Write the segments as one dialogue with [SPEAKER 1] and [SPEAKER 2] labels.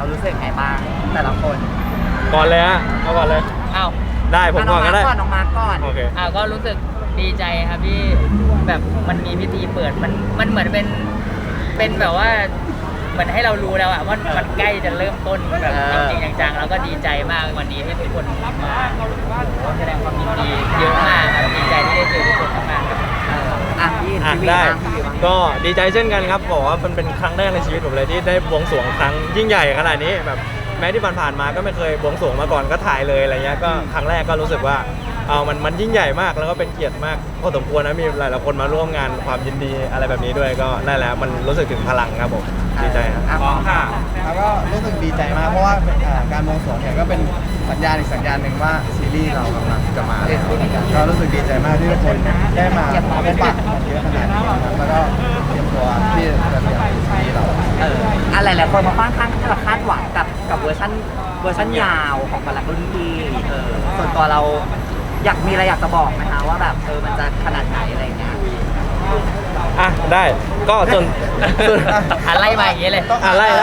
[SPEAKER 1] รู้สึกไงบ้างแต่ละคน
[SPEAKER 2] ก่อนเลยฮะเอาก่อนเลย
[SPEAKER 3] อ้าว
[SPEAKER 2] ได้ผมก่อนก็ได้
[SPEAKER 1] น้องมาร์คก่อน
[SPEAKER 2] โอเค
[SPEAKER 3] ก็รู้สึกดีใจครับที่แบบมันมีพิธีเปิดมันเหมือนเป็นแบบว่าเหมือนให้เรารู้แล้วอะว่ามันใกล้จะเริ่มต้นแบบจริงๆจังๆแล้วก็ดีใจมากวันนี้ที่ทุกคนมาแสดงความยินดีเยอะมากครับดีใจที่ได้เจอทุกคนมากๆครับ
[SPEAKER 1] พี่วี
[SPEAKER 2] ได้
[SPEAKER 1] พี่วีบ้าง
[SPEAKER 2] ก็ดีใจเช่นกันครับบอกว่ามันเป็นครั้งแรกในชีวิตผมเลยที่ได้บวงสรวงครั้งยิ่งใหญ่ขนาดนี้แบบแม้ที่ผ่านๆมาก็ไม่เคยบวงสรวงมาก่อนก็ถ่ายเลยอะไรเงี้ยก็ครั้งแรกก็รู้สึกว่ามันยิ่งใหญ่มากแล้วก็เป็นเกียรติมากพอสมควรนะมีหลายๆคนมาร่วมงานความยินดีอะไรแบบนี้ด้วยก็นั่นแหละมันรู้สึกถึงพลังครับผมดีใจครับ
[SPEAKER 1] พร้อมค่ะ
[SPEAKER 4] แล้วก็รู้สึกดีใจมากเพราะว่าการบวงสรวงเนี่ยก็เป็นสัญญาณอีกสัญญาณหนึ่งว่าซีรีส์เรากำลังจะมาแล้วก็รู้สึกดีใจมากที่ทุกคนได้มาพบปะกันเยอะขนาดนี้ครับแล้วก็เตรียมตัวที่จะเรียนซีรีส์เรา
[SPEAKER 1] อะไรหลายคนมาค่อนข้างที่จะคาดหวังกับเวอร์ชันยาวของบาลังรุ่นพี่ส่วนตัวเรามีอะไรอยากจะบอกไหมคะว่าแบบมันจะขนาดไหนอะไรเงี้ย
[SPEAKER 2] ได้ก็ส่วน
[SPEAKER 3] อะไรมาอย่างเงี้ยเลย
[SPEAKER 2] ไล่เลย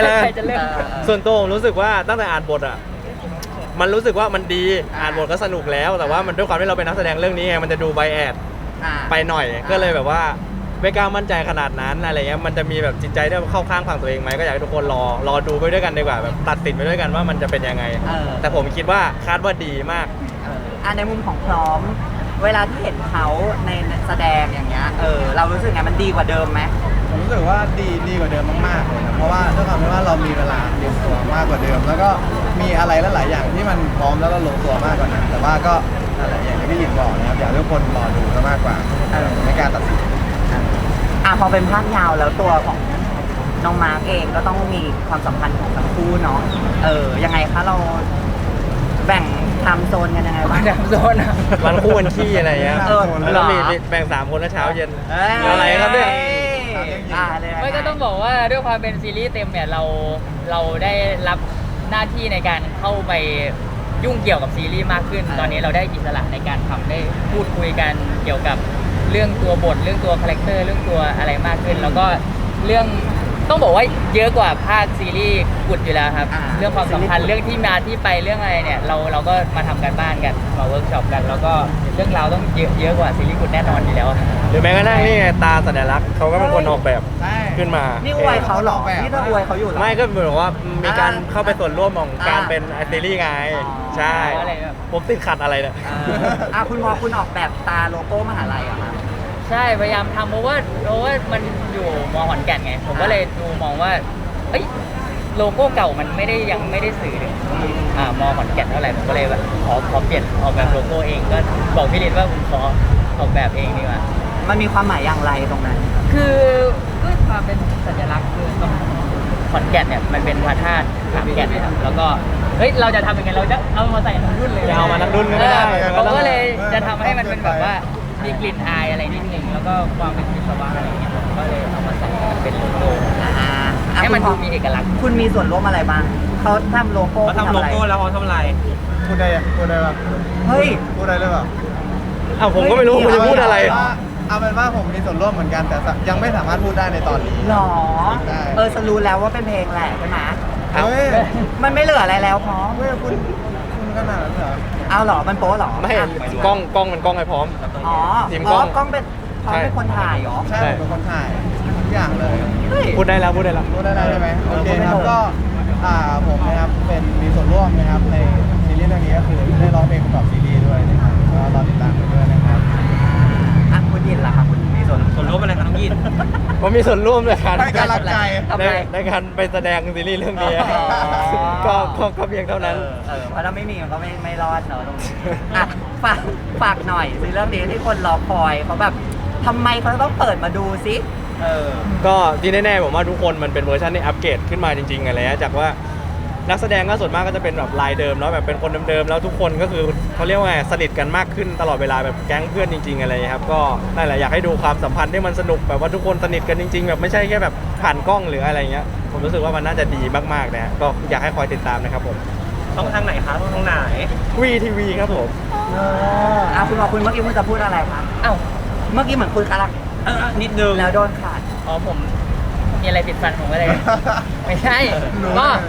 [SPEAKER 3] ใครจะเริ่ม
[SPEAKER 2] ส่วนตัวผมรู้สึกว่าตั้งแต่อ่านบทมันรู้สึกว่ามันดีอ่านบทก็สนุกแล้วแต่ว่ามันด้วยความที่เราเป็นนักแสดงเรื่องนี้ไงมันจะดูไบแอดไปหน่อยก็เลยแบบว่าไม่กล้ามั่นใจขนาดนั้นอะไรเงี้ยมันจะมีแบบจิตใจที่เข้าข้างฝั่งตัวเองไหมก็อยากให้ทุกคนรอดูไปด้วยกันดีกว่าแบบตัดสินไปด้วยกันว่ามันจะเป็นยังไงแต่ผมคิดว่าคาดว่าดีมาก
[SPEAKER 1] ในมุมของพร้อมเวลาที่เห็นเขาในแสดงอย่างเงี้ยเรารู้สึกไงมันดีกว่าเดิมไหม
[SPEAKER 4] ผมรู้สึกว่าดีกว่าเดิมมากๆเลยนะเพราะว่าด้วยความที่ว่าเรามีเวลาเตรียมตัวมากกว่าเดิม แล้วก็มีอะไรหลายๆอย่างที่มันพร้อมแล้วก็ลงตัวมากกว่านั้นแต่ว่าก็อะไรอย่างที่พี่อินบอกนะครับอยากให้ทุกคนรอดูมากกว่าในการตัดสิน
[SPEAKER 1] พอเป็นภาพยาวแล้วตัวของน้องมาร์กเองก็ต้องมีความสัมพันธ์ของทั้งคู่เนาะยังไงคะเราแบ่งไทม์โซนกันยังไงบ้าง
[SPEAKER 3] ดำโซนอะ
[SPEAKER 2] วันคู่วันขี้อะไรเงี้ย แล้วมีแบ่ง3คนนะเช้าเย็นอะไรครับเนี่ย
[SPEAKER 3] ไม่ก็ต้องบอกว่าด้วยความเป็นซีรีส์เต็มเนี่ยเราได้รับหน้าที่ในการเข้าไปยุ่งเกี่ยวกับซีรีส์มากขึ้น ตอนนี้เราได้อิสระในการทำได้พูดคุยกันเกี่ยวกับเรื่องตัวบทเรื่องตัวคาแรคเตอร์เรื่องตัวอะไรมากขึ้น แล้วก็เรื่องต้องบอกว่าเยอะกว่าภาคซีรีส์กุดอยู่แล้วครับเรื่องความสัมพันธ์เรื่องที่มาที่ไปเรื่องอะไรเนี่ยเราก็มาทำกันบ้านกันมาเวิร์กช็อปกัน แล้วก็เรื่องราวต้องเยอะกว่าซีรีส์กุดแน่นอนอยู่แล้ว
[SPEAKER 2] หรือแม้กระทั่งนี่ไงตาสัญลักษณ์เขาก็เป็นคนออกแบบขึ้นมา
[SPEAKER 1] นี่อวยเขาหรอนี่ถ้าอวยเขาอยู่หรอ
[SPEAKER 2] ไม่ก็เหมือนว่ามีการเข้าไปส่วนร่วมของการเป็นซีรีส์ไงใช่ผมติดขัดอะไรเนี่ย
[SPEAKER 1] คุณพอคุณออกแบบตาโลโก้มหาลัยอะครับ
[SPEAKER 3] ใช่พยายามทำเพราะว่ามันอยู่มอขอนแก่นไงผมก็เลยดูมองว่าเอ้ยโลโก้เก่ามันยังไม่ได้สื่อถึงมอขอนแก่นเท่าไหร่ผมก็เลยแบบขอเปลี่ยนออกแบบโลโก้เองก็บอกพี่ฤทธิ์ว่าผมขอออกแบบเองดีกว่า
[SPEAKER 1] มันมีความหมายอย่างไรตรงนั้น
[SPEAKER 3] คือด้วยความเป็นสัญลักษณ์คือต้องขอนแก่นเนี่ยมันเป็นพระธาตุขามแก่นนะครับแล้วก็เฮ้ยเราจะทำยังไงเราจะเอามาใส่ทั้งรุ่นเลย
[SPEAKER 2] จะเอามาทั้งรุ่นก็ไม่ได้
[SPEAKER 3] เราก็เลยจะทำให้มันเป็นแบบว่ามีกลิ่นอายอะไรนิดนึงแล้วก็ความเป็นวิศวะอะไรอย่างเงี้ยผมก็เลยเอามาใส่เป็นโลโก้ให้มันดูมีเอกลักษณ์
[SPEAKER 1] คุณมีส่วนร่วมอะไรบ้างเขาทำโลโก้
[SPEAKER 3] เขาทำโลโก้แล้วเขาทำอะไร
[SPEAKER 4] พูดได้ป่ะ
[SPEAKER 1] เฮ้ย
[SPEAKER 4] พูดได้หรือเปล่า
[SPEAKER 2] ผมก็ไม่รู้คุณจะพูดอะไร
[SPEAKER 4] เอาเป็นว่าผมมีส่วนร่วมเหมือนกันแต่ยังไม่สามารถพูดได้ในตอนนี้
[SPEAKER 1] หรอ
[SPEAKER 4] ได้
[SPEAKER 1] ฉันรู้แล้วว่าเป็นเพลงแหละใช่ไหม
[SPEAKER 2] ครับ
[SPEAKER 4] เฮ้ย
[SPEAKER 1] มันไม่เหลืออะไรแล้วพร้อม
[SPEAKER 4] เฮ้ยคุณขนาดนั้นเหรอ
[SPEAKER 1] เอาเหรอมันโป๊ะเหรอ
[SPEAKER 2] ไม่กล้องมันกล้องให้พร้อม
[SPEAKER 1] อ๋อ
[SPEAKER 2] ทีมกล้อง
[SPEAKER 1] กล้องเป็นพร้อมเป็นคนถ่ายเหรอ
[SPEAKER 4] ใช่ผมเป็นคนถ่ายทุกอย่างเลย
[SPEAKER 1] เฮ้ย
[SPEAKER 2] พูดได้แล้ว
[SPEAKER 4] พูดได้แล้วใช่ไหมโอเคครับ
[SPEAKER 1] พูดได้เลย
[SPEAKER 4] ก็ผมนะครับมีส่วนร่วมนะครับในซีรีส์เรื่องนี้ก็คือได้ร้องเพลงประกอบซีรีส์ด้วยนะครับก็รอติดตามกันด้วยนะครับ
[SPEAKER 1] คุณยินล่ะครับคุณมีส่วน
[SPEAKER 3] ร่วมอะไรครับน้องยิน
[SPEAKER 2] ผมมีส่วนร่วมในการ
[SPEAKER 4] ให้กำลังใจ
[SPEAKER 2] ในการไปแสดงซีรีส์เรื่องนี้ก็เพียงเท่านั้น
[SPEAKER 1] เพราะถ้าไม่มีมันก็ไม่รอดเนอะตรงนี้ฝากหน่อยสิเรื่องนี้ที่คนรอคอยเขาแบบทำไมเขาต้องเปิดมาดูซิ
[SPEAKER 2] ก็ที่แน่ๆผมว่าทุกคนมันเป็นเวอร์ชันที่อัปเกรดขึ้นมาจริงๆอะไรจากว่านักแสดงก็ส่วนมากก็จะเป็นแบบลายเดิมแล้วแบบเป็นคนเดิมๆแล้วทุกคนก็คือเขาเรียกว่าไงสนิทกันมากขึ้นตลอดเวลาแบบแก๊งเพื่อนจริงๆอะไรครับก็นั่นแหละอยากให้ดูความสัมพันธ์ที่มันสนุกแบบว่าทุกคนสนิทกันจริงๆแบบไม่ใช่แค่แบบผ่านกล้องหรืออะไรเงี้ยผมรู้สึกว่ามันน่าจะดีมากๆนะก็อยากให้คอยติดตามนะครับผม
[SPEAKER 3] ช่องทางไหนคะช่องทางไหน
[SPEAKER 2] VTV ครับผม
[SPEAKER 1] คุณบอกคุณเมื่อกี้คุณจะพูดอะไรคะเมื่อกี้เหมือนคุณกำลัง
[SPEAKER 3] นิดนึง
[SPEAKER 1] แล้วโดนขาด
[SPEAKER 3] ผมมีอะไรติดฟันผมก็เลย ไม่ใช่ก็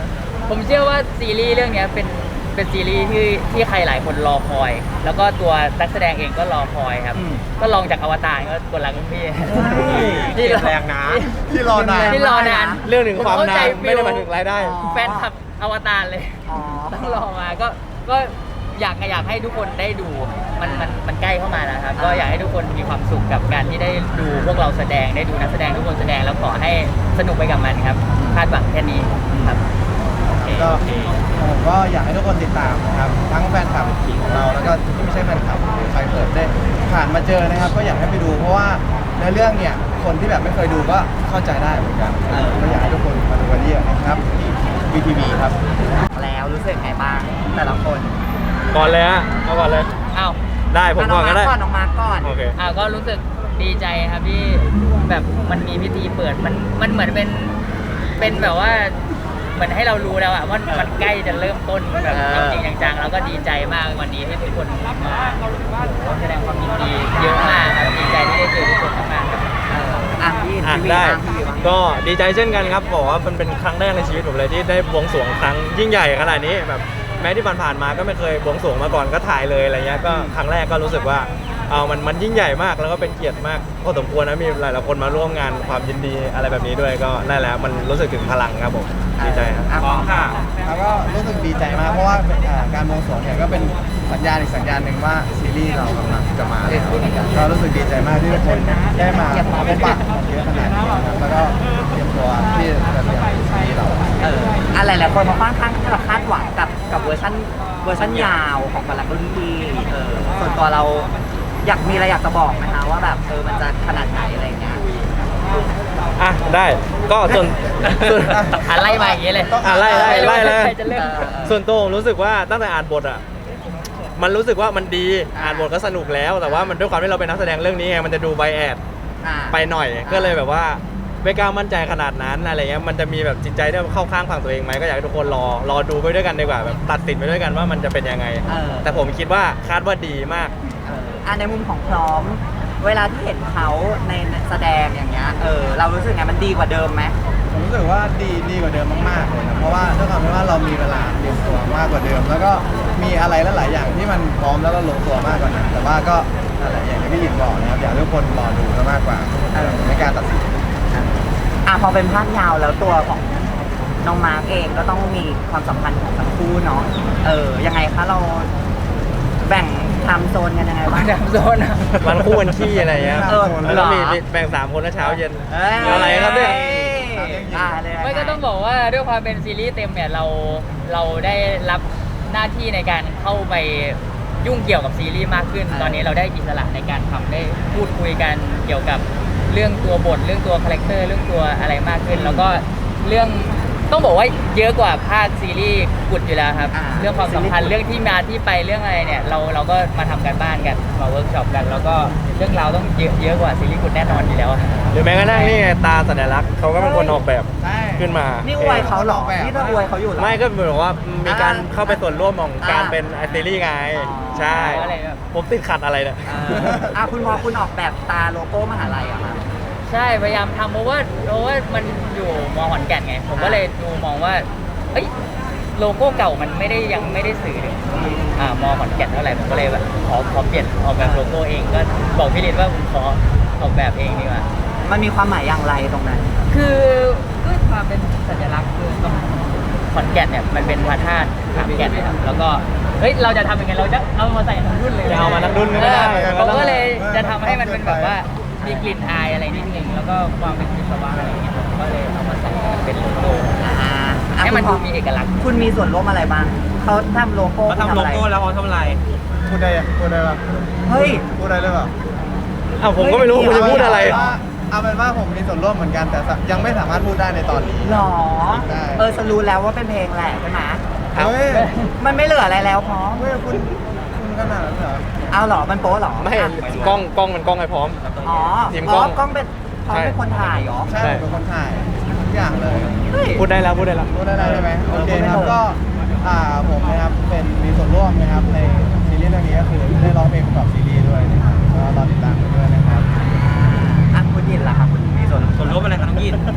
[SPEAKER 3] ผมเชื่อว่าซีรีส์เรื่องเนี้ยเป็นซีรีส์ที่ใครหลายคนรอคอย แล้วก็ตัวนักแสดงเองก็รอคอยครับ ก็ลองจากอวตารก็กดรักรุ่นพี่
[SPEAKER 4] ที่แรงนะที่รอนาน
[SPEAKER 3] ที่รอนาน
[SPEAKER 2] เรื่องหนึ่งความนาน
[SPEAKER 3] ผมเข้าใจ
[SPEAKER 2] ไม่ได้หมายถึงรายได้
[SPEAKER 3] แฟนคลับอวตารเลย
[SPEAKER 1] อ๋อ
[SPEAKER 3] ต้องรอมาก็อยากให้ทุกคนได้ดูมันใกล้เข้ามาแล้วครับก็อยากให้ทุกคนมีความสุขกับการที่ได้ดูพวกเราแสดงได้ดูนักแสดงทุกคนแสดงแล้วขอให้สนุกไปกับมันครับคาดหวังแค่นี้ครับ
[SPEAKER 4] ก็ผมก็อยากให้ทุกคนติดตามนะครับทั้งแฟนคลับของเราแล้วก็ที่ไม่ใช่แฟนคลับหรือใครเปิดได้ผ่านมาเจอนะครับ ก็อยากให้ไปดูเพราะว่าในเรื่องเนี่ยคนที่แบบไม่เคยดูก็เข้าใจได้เหมือนกันก็อยากให้ทุกคนมาดูกันเยอะนะครับที่ VTV ครับ
[SPEAKER 1] แล้วรู้สึกไงบ้างแต่ละคน
[SPEAKER 2] ก่อนเลยฮะเอาก่อนเลย
[SPEAKER 3] อ้าว
[SPEAKER 2] ได้ผมก่อนก็ได้
[SPEAKER 1] น้องมาร์คก่อน
[SPEAKER 2] โอเค
[SPEAKER 3] ก็รู้สึกดีใจครับที่แบบมันมีพิธีเปิดมันเหมือนเป็นแบบว่าเหมือนให้เรารู้แล้วอะว่ามันใกล้จะเริ่มต้นแบบจริงๆจังๆแล้วก็ดีใจมากวันนี้ที่ทุกคนมาแสดงความยินดีเยอะมากครับดีใจที่ได้เจอทุกคนมากๆครับ
[SPEAKER 1] พี่
[SPEAKER 2] อ่ะ
[SPEAKER 1] พี่
[SPEAKER 2] ได้
[SPEAKER 1] พี่วีบ้าง
[SPEAKER 2] ก็ดีใจเช่นกันครับบอกว่ามันเป็นครั้งแรกในชีวิตผมเลยที่ได้บวงสรวงครั้งยิ่งใหญ่ขนาดนี้แบบแม้ที่ผ่านๆมาก็ไม่เคยบวงสรวงมาก่อนก็ถ่ายเลยอะไรเงี้ยก็ครั้งแรกก็รู้สึกว่ามันยิ่งใหญ่มากแล้วก็เป็นเกียรติมากพอสมควรนะมีหลายๆคนมาร่วมงานความยินดีอะไรแบบนี้ด้วยก็นั่นแหละมันรู้สึกถึงพลังครับผมดีใจครับ
[SPEAKER 1] พร้อมค่ะ
[SPEAKER 4] แล้วก็รู้สึกดีใจมากเพราะว่าการบวงสรวงเนี่ยก็เป็นสัญญาณอีกสัญญาณหนึ่งว่าซีรีส์เรากำลังจะมาแล้วก็รู้สึกดีใจมากที่ทุกคนได้มาพบปะเยอะขนาดนี้นะครับแล้วก็เตรียมตัวที่จะเรียนซีรีส์เรา
[SPEAKER 1] อะไรหลายคนมาค่อนข้างที่จะคาดหวังกับเวอร์ชันยาวของบรรลักรุ่นพี่ส่วนตัวเรามีอะไรอยากจะบอกไหมคะว่าแบบมันจะขนาดไหนอะไรเงี้ย
[SPEAKER 2] อ่ะได้ก็ส่วน
[SPEAKER 3] ไล่มาอย่างนี้เลย
[SPEAKER 2] ไล่เลย
[SPEAKER 3] ใครจะเริ่ม
[SPEAKER 2] ส่วนตัวผมรู้สึกว่าตั้งแต่อ่านบทอ่ะมันรู้สึกว่ามันดีอ่านบทก็สนุกแล้ว แต่ว่ามันด้วยความที่เราเป็นนักแสดงเรื่องนี้ไงมันจะดูไบแอดไปหน่อยก็เลยแบบว่าไม่กล้ามั่นใจขนาดนั้นอะไรเงี้ยมันจะมีแบบจิตใจที่เข้าข้างฝั่งตัวเองไหมก็อยากให้ทุกคนรอดูไปด้วยกันดีกว่าแบบตัดสินไปด้วยกันว่ามันจะเป็นยังไง แต่ผมคิดว่าคาดว่าดีมาก
[SPEAKER 1] ในมุมของพร้อมเวลาที่เห็นเขาในแสดงอย่างเงี้ยเรารู้สึกไงมันดีกว่าเดิมไหม
[SPEAKER 4] ผมรู้สึกว่าดีกว่าเดิมมากๆเลยนะเพราะว่าด้วยความที่ว่าเรามีเวลาเตรียมตัวมากกว่าเดิม แล้วก็มีอะไรหลายๆอย่างที่มันพร้อมแล้วก็ลงตัวมากกว่านั้นแต่ว่าก็อะไรอย่างที่พี่อินบอกนะครับอยากให้ทุกคนรอดูมากกว่าในการตัดสิน
[SPEAKER 1] พอเป็นภาพยาวแล้วตัวของน้องมาร์กเองก็ต้องมีความสัมพันธ์ของทั้งคู่เนาะยังไงคะเราแบ่งไทม์โซนกันยังไงบ้าง
[SPEAKER 3] ดามโซนอะ
[SPEAKER 2] มันคู่วันขี้อะไรเงี้ย แล้วเรามีแบ่ง3คนนะเช้าเย็นอะไรครับเนี่ย
[SPEAKER 3] ไม่ก็ต้องบอกว่าด้วยความเป็นซีรีส์เต็มเนี่ยเราได้รับหน้าที่ในการเข้าไปยุ่งเกี่ยวกับซีรีส์มากขึ้น ตอนนี้เราได้อิสระในการทำได้พูดคุยกันเกี่ยวกับเรื่องตัวบทเรื่องตัวคาแรคเตอร์เรื่องตัวอะไรมากขึ้น แล้วก็เรื่องต้องบอกว่าเยอะกว่าภาคซีรีส์กุดอยู่แล้วครับเรื่องความสัมพันธ์เรื่องที่มาที่ไปเรื่องอะไรเนี่ยเราก็มาทำกันบ้านกันมาเวิร์กช็อปกัน แล้วก็เรื่องราวต้องเยอะกว่าซีรีส์กุดแน่นอนอยู่แล้ว
[SPEAKER 2] หรือแม้กระทั่งนี่ไงตาสัญลักษณ์เขาก็เป็นคนออกแบบ
[SPEAKER 4] ใช่
[SPEAKER 2] ขึ้นมา
[SPEAKER 1] นี่อวยเขาเหรอนี่ถ้าอวยเขาอยู่เหรอ
[SPEAKER 2] ไม่ก็เหมือนว่ามีการเข้าไปส่วนร่วมของการเป็นซีรีส์ไงใช่
[SPEAKER 3] อะไรแบบ
[SPEAKER 2] ผมติดขัดอะไรเนี่ย
[SPEAKER 1] คุณพอคุณออกแบบตาโลโก้มหาลัยเหรอคะ
[SPEAKER 3] ใช่พยายามทำเพราะว่ามันอยู่มขอนแก่นไงผมก็เลยดูมองว่าเอ้ยโลโก้เก่ามันยังไม่ได้สื่อถึงมขอนแก่นเท่าไหร่ผมก็เลยแบบขอเปลี่ยนออกแบบโลโก้เองก็บอกพี่ลิศว่าผมขอออกแบบเองดีกว่า
[SPEAKER 1] มันมีความหมายอย่างไรตรงนั้น
[SPEAKER 3] คือด้วยความเป็นสัญลักษณ์คือตรงขอนแก่นเนี่ยมันเป็นพระธาตุขามแก่นนะครับแล้วก็เฮ้ยเราจะทำยังไงเราจะเอามาใส่ทั้งรุ่นเลย
[SPEAKER 2] จะเอามาทั้งรุ่นก็ไม่ได้
[SPEAKER 3] ผมก็เลยจะทำให้มันเป็นแบบว่ามีกลิ่นอายอะไรนิดนึงแล้วก็ความเป็นวิศวะอะไรอย่างเงี้ยผมก็เลยเอามาใส่เป็นโลโก้ให้มันดูมีเอกลักษณ์
[SPEAKER 1] คุณมีส่วนร่วมอะไรบ้างเขาทำโลโก้
[SPEAKER 2] เขาทำโลโก้แล้วเขาทำอะไร
[SPEAKER 4] พูดได้ป่ะ
[SPEAKER 1] เฮ้ย
[SPEAKER 4] พูดได้หรือเปล่า
[SPEAKER 2] อ้าวผมก็ไม่รู้คุณจะพูดอะไร
[SPEAKER 4] เอาเป็นว่าผมมีส่วนร่วมเหมือนกันแต่ยังไม่สามารถพูดได้ในตอนนี้
[SPEAKER 1] หรอ
[SPEAKER 4] ได้
[SPEAKER 1] ฉันรู้แล้วว่าเป็นเพลงแหละใช่ไหม
[SPEAKER 2] ครับ
[SPEAKER 4] เฮ้ย
[SPEAKER 1] มันไม่เหลืออะไรแล้วพร้อม
[SPEAKER 4] เฮ้ยคุณขนาดนั้นเหรอ
[SPEAKER 1] เอาเหรอมันโป๊ะเหรอ
[SPEAKER 2] ไม่กล้องมันกล้องให้พร้อม
[SPEAKER 1] อ๋อ
[SPEAKER 2] ทีมกล้อง
[SPEAKER 1] กล้องเป็นพร้อมเป็นคนถ่ายเหรอ
[SPEAKER 4] ใช่ผมเป็นคนถ่ายทุกอย่างเลย
[SPEAKER 1] เฮ้ย
[SPEAKER 2] พูดได้แล้ว
[SPEAKER 4] พูดได้ไหมโอเคครับ
[SPEAKER 1] พูดได้เลย
[SPEAKER 4] ก็ผมนะครับมีส่วนร่วมนะครับในซีรีส์เรื่องนี้ก็คือได้ร้องเพลงประกอบซีรีส์ด้วยนะครับก็รอติดตามกันด้วยนะครับ
[SPEAKER 1] คุณยินล่ะครับคุณมีส่วน
[SPEAKER 2] ส่วนร่วมอะไรครับน้องยิน
[SPEAKER 4] ผ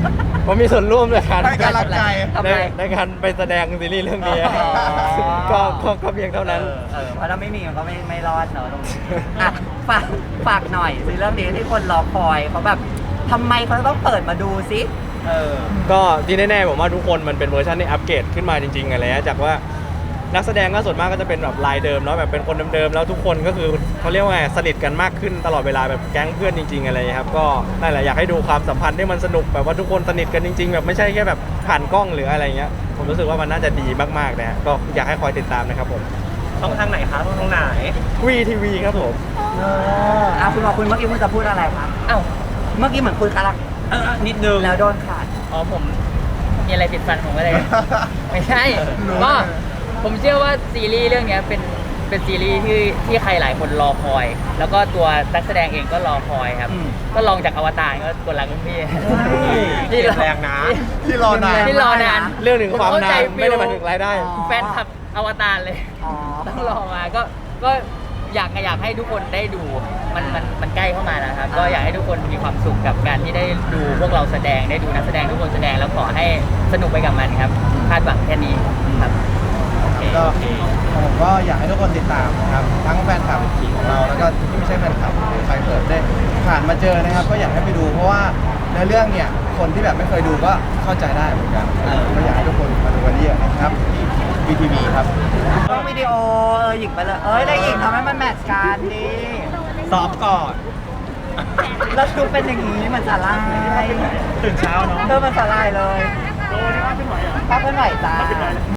[SPEAKER 2] ผมมีส่วนร่วมในการ
[SPEAKER 4] ให้กำลังใจ
[SPEAKER 1] ทำไม
[SPEAKER 2] ในการไปแสดงซีรีส์เรื่องนี้
[SPEAKER 1] อ๋อ
[SPEAKER 2] ก็เพียงเท่านั้น
[SPEAKER 1] เพราะถ้าไม่มีมันก็ไม่รอดเนอะตรงนี้อ่ะฝากหน่อยสิเรื่องนี้ที่คนรอคอยเขาแบบทำไมเขาต้องเปิดมาดูซิ
[SPEAKER 2] ก็ที่แน่ๆผมว่าทุกคนมันเป็นเวอร์ชันที่อัปเกรดขึ้นมาจริงๆอะไรเงี้ยจากว่านักแสดงก็ส่วนมากก็จะเป็นแบบลายเดิมเนาะแบบเป็นคนเดิมๆแล้วทุกคนก็คือเขาเรียกว่าไงสนิทกันมากขึ้นตลอดเวลาแบบแก๊งเพื่อนจริงๆอะไรเงี้ยครับก็นั่นแหละอยากให้ดูความสัมพันธ์ที่มันสนุกแบบว่าทุกคนสนิทกันจริงๆแบบไม่ใช่แค่แบบผ่านกล้องหรืออะไรเงี้ยผมรู้สึกว่ามันน่าจะดีมากๆนะฮะก็อยากให้คอยติดตามนะครับผม
[SPEAKER 5] ช่องทางไหนคะช่องทางไหน
[SPEAKER 2] VTV ครับผม
[SPEAKER 1] คุณบอกคุณเมื่อกี้คุณจะพูดอะไรครับ
[SPEAKER 3] อ้าว
[SPEAKER 1] เมื่อกี้เหมือนคุณกำลัง
[SPEAKER 5] นิดนึง
[SPEAKER 1] แล้วโดนขาด
[SPEAKER 3] อ๋อผมมีอะไรติดฟันผมก็เลย ไม่ใช่
[SPEAKER 4] รู้
[SPEAKER 3] ก็
[SPEAKER 4] เลย
[SPEAKER 3] ผมเชื่อว่าซีรีส์เรื่องเนี้ยเป็นซีรีส์ที่ใครหลายคนรอคอย แล้วก็ตัวนักแสดงเองก็รอคอยครับ
[SPEAKER 1] อืม
[SPEAKER 3] ก็ลองจากอวตารก็กดหลังรุ่นพี่
[SPEAKER 5] เปลี่ยนแรงนะ
[SPEAKER 4] ที่รอนาน
[SPEAKER 3] ที่รอนาน
[SPEAKER 2] เรื่องหนึ่งความ
[SPEAKER 3] ผเข้
[SPEAKER 2] นาน
[SPEAKER 3] ใจ
[SPEAKER 2] ไม่ได้หมายถึงรายได้
[SPEAKER 1] อ๋อ
[SPEAKER 3] แฟนคลับอวตารเลย
[SPEAKER 1] อ๋อ
[SPEAKER 3] ต้องรอมาก็อยากให้ทุกคนได้ดูมันใกล้เข้ามาแล้วครับ ก็อยากให้ทุกคนมีความสุขกับการที่ได้ดูพวกเราแสดงได้ดูนักแสดงทุกคนแสดงแล้วขอให้สนุกไปกับมันครับคาดหวังแค่นี้ครับ
[SPEAKER 4] ก็ผมก็อยากให้ทุกคนติดตามนะครับทั้งแฟนคลับของเราแล้วก็ที่ไม่ใช่แฟนคลับหรือใครเปิดได้ผ่านมาเจอนะครับ ก็อยากให้ไปดูเพราะว่าในเรื่องเนี่ยคนที่แบบไม่เคยดูก็เข้าใจได้เหมือนกันก็อยากให้ทุกคนมาดูกันเยอะนะครับ VTV ครับ
[SPEAKER 1] กล้องวิดีโอหยิงไปเลยได้หยิงทำให้มันแมทช์กันดิ
[SPEAKER 5] ซอฟก่อน
[SPEAKER 1] แล้วดูเป็นอย่างนี้เหมันสาลาย
[SPEAKER 5] ตื่นเช้าเนาะ
[SPEAKER 1] มันสาลายเลยภาพเคลื่อนไหวจ้า